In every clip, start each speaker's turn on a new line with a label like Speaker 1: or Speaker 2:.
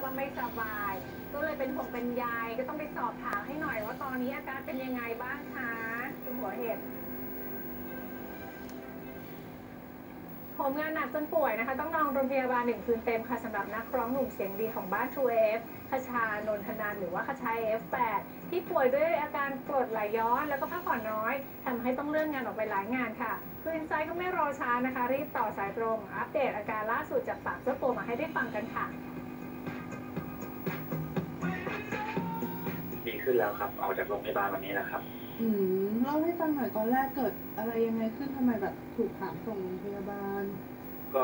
Speaker 1: ว่าไม่สบายก็เลยเป็นห่วงเป็นใยก็ต้องไปสอบถามให้หน่อยว่าตอนนี้อาการเป็นยังไงบ้างคะคุณหัวเห็ดผมงานหนักจนป่วยนะคะต้องนอนโรงพยาบาล1 คืนเต็มค่ะสำหรับนักร้องหนุ่มเสียงดีของบ้าน 2F คชานนทนันท์หรือว่าคชา F8 ที่ป่วยด้วยอาการกรดไหลย้อนแล้วก็พักผ่อนน้อยทำให้ต้องเลื่อนงานออกไปหลายงานค่ะคืออินไซต์ก็ไม่รอช้านะคะรีบต่อสายตรงอัปเดตอาการล่าสุดจากปากเจ้าตัวมาให้ได้ฟังกันค่ะ
Speaker 2: ดีขึ้นแล้วครับออกจากโรงพยาบาลวันนี้แล้วครับ
Speaker 3: เล่าให้ฟังหน่อยตอนแรกเกิดอะไรยังไงขึ้นทำไมแบบถูกหามส่งโรงพยาบาล
Speaker 2: ก็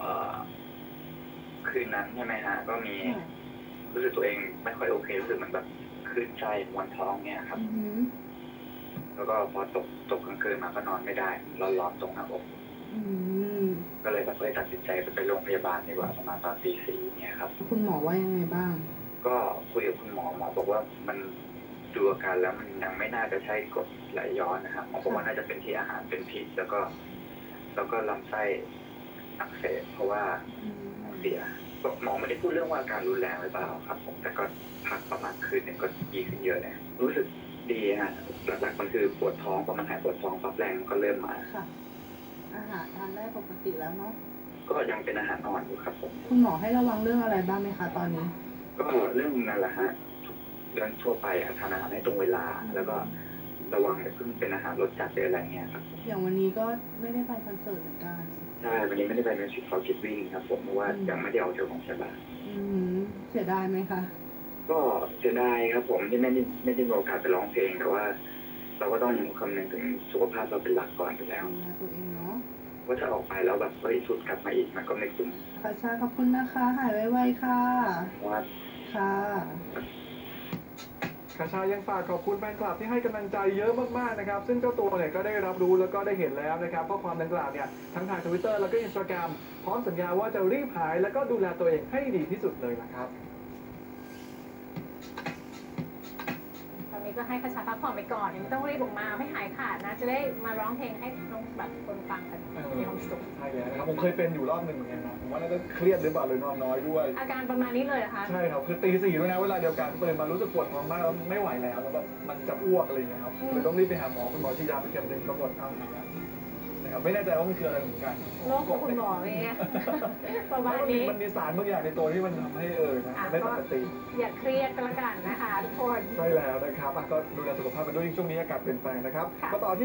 Speaker 2: คืนนั้นใช่ไหมฮะก็มีรู้สึกตัวเองไม่ค่อยโอเครู้สึกเหมือนแบบคลื่นไส้มวนท้องเนี่ยครับแล้วก็พอตกกลางคืนมาก็นอนไม่ได้ร้อนตรงหน้าอกก็เลยแบบตัดสินใจไปโรงพยาบาลดีกว่าประมาณตอนตี 4เนี่ยครับ
Speaker 3: คุณหมอว่ายังไงบ้าง
Speaker 2: ก็คุยกับคุณหมอบอกว่ามันดูอาการแล้วมันยังไม่น่าจะใช่กรดไหลย้อนนะครับหมอบอกว่าน่าจะเป็นที่อาหารเป็นพิษแล้วก็ลำไส้อักเสบเพราะว่าเสียหมอไม่ได้พูดเรื่องว่าอาการรุนแรงหรือเปล่าครับผมแต่ก็พักประมาณคืนหนึ่งก็ดีขึ้นเยอะเลยรู้สึกดีฮะหลักๆมันคือปวดท้องพอมันหายปวดท้องปั๊บแรงก็เริ่มมา
Speaker 3: ค่ะอาหารทานได้ปกติแล้วเนาะ
Speaker 2: ก็ยังเป็นอาหารอ่อนอยู่ครับผม
Speaker 3: คุณหมอให้ระวังเรื่องอะไรบ้างไหมคะตอนนี้
Speaker 2: ก็เรื่องนั่นแหละฮะเรื่องทั่วไปทานอาหารให้ตรงเวลาแล้วก็ระวังอย่าเพิ่งเป็นอาหารรสจัดหรืออะไรเงี้ยครับ
Speaker 3: อย่างวันนี้ก็ไม่ได้ไปคอนเสิร์ตเหมือนกัน
Speaker 2: ใช่วันนี้ไม่ได้ไปมิวสิคฟอร์คิดวิ่งครับผมเพราะว่ายังไม่ได้ออกจากโรงพยาบาล
Speaker 3: เสียดายไหมคะ
Speaker 2: ก็เสียดายครับผมที่ไม่ได้มีโอกาสไปร้องเพลงแต่ว่าเราก็ต้องคำนึงถึงสุขภาพเราเป็นหลักก่อนอยู่แล้ว
Speaker 3: ตัวเองเนาะ
Speaker 2: ว่าถ้าออกไปแล้วแบบสุดกลับมาอีกมันก็ไม่คุ้ม
Speaker 3: ค่ะชาขอบคุณนะคะหายไวๆค่ะ
Speaker 2: ว่า
Speaker 3: ค่ะ
Speaker 4: คชายังฝากขอบคุณแฟนคลับที่ให้กำลังใจเยอะมากๆนะครับซึ่งเจ้าตัวเนี่ยก็ได้รับรู้แล้วก็ได้เห็นแล้วนะครับข้อความดังกล่าวเนี่ยทั้งทาง Twitter แล้วก็ Instagram พร้อมสัญญาว่าจะรีบหายแล้วก็ดูแลตัวเองให้ดีที่สุดเลยนะครับ
Speaker 1: ตอนนี้ก็ให้คชาพักผ่อนไปก่อนไม่ต้องรีบออกมาไม่หายขาดนะจะได้มาร้องเพลงให้น้องแบบคนฟังกันมีความสุข
Speaker 4: ใช่แล้วนะครับผมเคยเป็นอยู่รอบหนึ่งเหมือนกันนะผมว่าน่าจะเครียดหรือเปล่าเลยนอนน้อยด้วย
Speaker 1: อาการประมาณนี้เลยเหรอคะ
Speaker 4: ใช่ครับคือตี 4ด้วยนะเวลาเดียวกันตื่นมารู้สึกปวดท้องมากแล้วไม่ไหวแล้วแล้วแบบมันจะอ้วกอะไรอย่างเงี้ยครับเลยต้องรีบไปหาหมอคุณหมอฉีดยาไปเข็มหนึ่งปรากฏเอาหายแล้วนะครับไม่แน่ใจว่ามันคืออะไรเหมือนกัน
Speaker 1: โรคของคุณหมอเนี่ยประมาณนี้
Speaker 4: มันมีสารบางอย่างในตัวที่มันทำให้ไม่ปกติ
Speaker 1: อย่าเครียดก็แล้วกันนะคะทุกคน
Speaker 4: ใช่แล้วนะครับก็ดูแลสุขภาพกันด้วยช่วงนี้อากาศเปลี่ยนแปลงนะครับก็ต่อที่